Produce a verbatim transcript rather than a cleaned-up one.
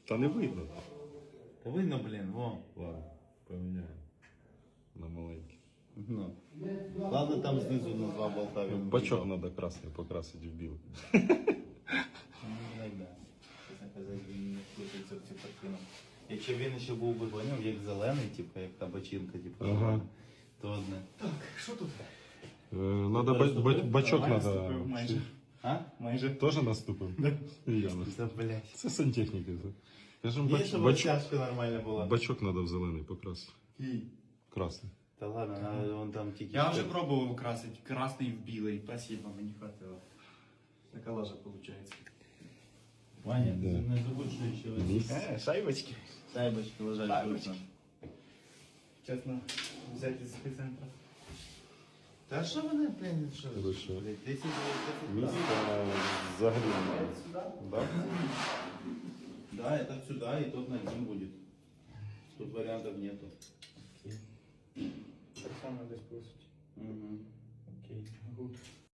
Та не видно. Та видно, блін, во. Ладно, поміняємо. На маленький. Ну. Ладно, там знизу на два болта він. Бачок треба красний покрасити в білий. Ну, так, да. Чесно казати, він не вкрутиться в цю картину. Якщо він ще був би, поняв, як зелений, типу, як та бочинка, типу, Ага. то одне. Так, що тут? Е, Надо ба- ба- бачок Давай, надо. наступив майже. А? Майже. Тоже наступив? І я наступив. Це, блядь. Це сантехніки. Кажем, Є, бач, щоб бачок, розтяжка нормальна була. бачок треба в зелений покрасити. Красний. Та ладно, надо вон там тільки... Я вже пробував красити красний в білий. Спасибо, мені хватило. Така лажа виходить. Ваня, Да. не забудь, що ще ось. Місць. Е, шайбочки. Сайбочки лежать Шайбочки. вкусно. Чесно, взяти з епіцентра. Та що вони, блін, що? Ви що? Блядь, десять, десять, Місця взагалі немає. сюда? Да? Да, это сюда, и тот над ним будет. Тут вариантов нету. Так само десь просить. Угу. Окей, гуд.